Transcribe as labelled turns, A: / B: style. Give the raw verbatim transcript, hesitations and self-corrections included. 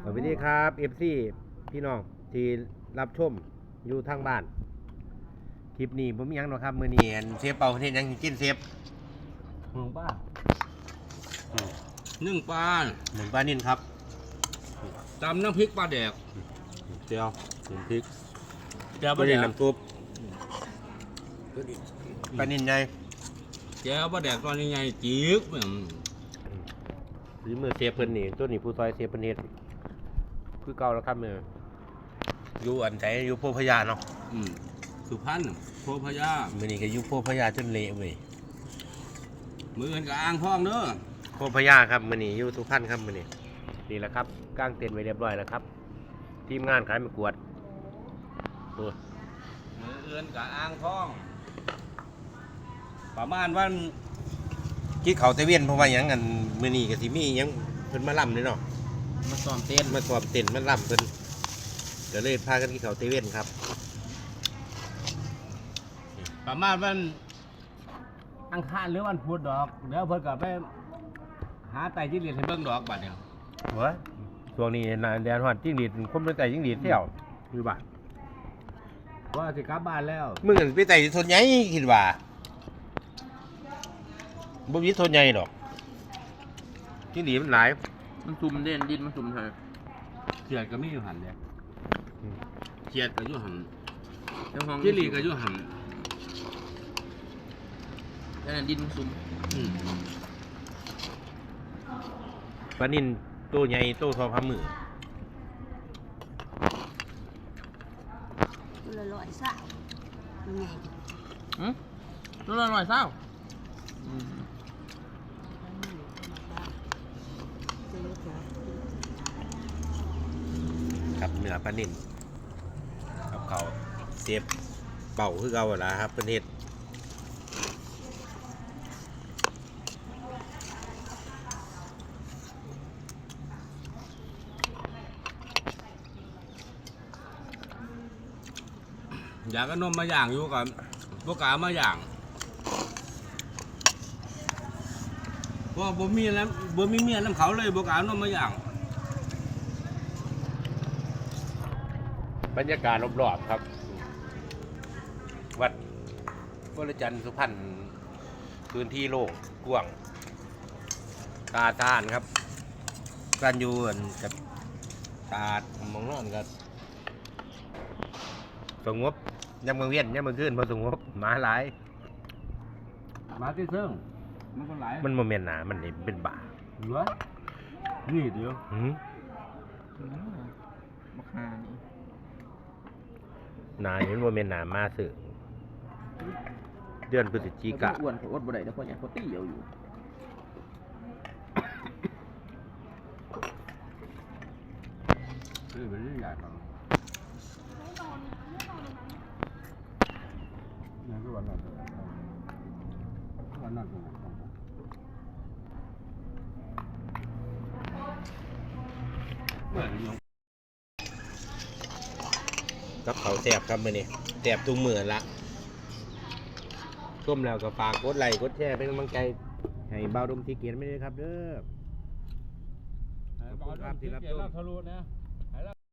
A: สวัสดีครับ เอฟ ซี พี่น้องที่รับชมอยู่ทางบ้านคลิปนี้ผมมีหยังหรอกครับมื้อนี้เซฟเป่าเฮ็ดหยังกินเซฟ
B: หนึ่งป้า
A: อืม
B: หนึ่งปลา
A: หนึ่งปลานิ่นครับ
B: ตำน้ำพริกปลาแดก
A: เจียวหนึ่งพริก
B: แก้วป
A: ปลา
B: ลาแด
A: นิ่น
B: ก
A: น้ำซุปปลานิ่นใหญ่
B: แก้วปลาแดกตอนนี้ไงจีกเหมือน
A: หรือมือเซฟเพิ่นนี่ตัวนี้ผู้ซอยเซฟเพิ่นเฮ็ดคือเก่าแล้วครับมืออยู่อันไหนอยู่โพธิ์พญาเนาะ
B: อืมสุพรรณโพพญา
A: มื้อนี้ก็อยู่โพธิ์พญาจนเละเว้ย
B: มือกันกับอ่างทองเด้อ
A: โพธิ์พญาครับมื้อนี้อยู่สุพรรณครับมื้อนี้นี่แหละครับกางเต็นท์ไว้เรียบร้อยแล้วครับทีมงานขายมะกวดโอ้ย
B: มือเอื้อนกับอ่างทอง ประมาณวัน
A: คิดเขาตะเวียนเพราะว่าหยังกันมื้อนี้ก็สิมีหยังเพิ่นมาล่ำเลยเนาะ
B: มาซ้อมเต้น
A: มาสอบเต็นท์มาล่ำเพิ่นก็เลยพากันกินเขาตะเวียนครับ
B: ประมาณวันอังคารหรือวันพุธดอกเดี๋ยวเพิ่นก็ไปหาไต่จิ้งหรีดให้เบิ่งดอกบัดเนี่ย
A: เว้ยช่วงนี้น่ะแดนฮอดจิ้งหรีดคนไปไต่จิ้งหรีดเที่ยวอยู่บ้าน
B: ว่าสิกลับบ้านแล้ว
A: มึงไปไต่ทนใหญ่คิดว่าบ่มีทนใหญ่ดอกจิ้งหรีดมันหลาย
C: มันซุ่มเด่นดินมันซุ่มเธอ
B: เขียดก็มีอยู่หันเลยเขียดก็อยู่หัน
C: เจ้าห้อง
B: จิ้งหรีดก็อยู่หัน
C: นั่นนะดินมันซุ่ม
B: อืม
A: ปลานินตัวใหญ่ตัวทอพามือ
D: ตัวละร้อยสาวยังไง
C: อืมตัวละหน่อยเศร้าอืม
A: ครับเนื้อปลานินกับเขาวเสียบเป่าคือเก่าหั่นล่ะครับเพิ่นเฮ็ด
B: อยากก็นมมาอย่างอยู่กับพวกกามาอย่างเพราะบ่มีแล้วบ่มีเมียน้ำเขาเลยพวกกานมมาอย่าง
A: บรรยากาศรอบๆครับ วัดวรจันทร์สุพรรณพื้นที่โล่งกว้างตาตานครับการอยู่อั่นกับตาดมองนอนกับสงบยามกลางเวียนยามกลางคืนพอสงบหมาหลาย
B: มาที่เซิงมันคนหลาย
A: มันโมเมนต์หนามันนี่เป็นบ่า
B: เหลือนี่เดียว
A: หืม
C: บักฮานี่
A: หนานี่มันโมเมนต์หนามาสึเดือนพฤศจิกา
C: อ้วนเขาอ้วนบ่ได้แล้วเพราะอย่างเขาตี้เอาอยู่
B: คือเป็นเรื่องใหญ่ครับนี่คือวันนั้นวันนั้นเหมือนอยู่
A: กับเขาวแสบครับมื้อนี้แสบทุกมื้อละต้มแล้วก็ฝากกดไลค์กดแชร์เป็นกำลังใจให้เบาดมทีเกียนไม่ได้ครับเด้อ
B: ขอบคุณครับที่รับชมทะลุนะ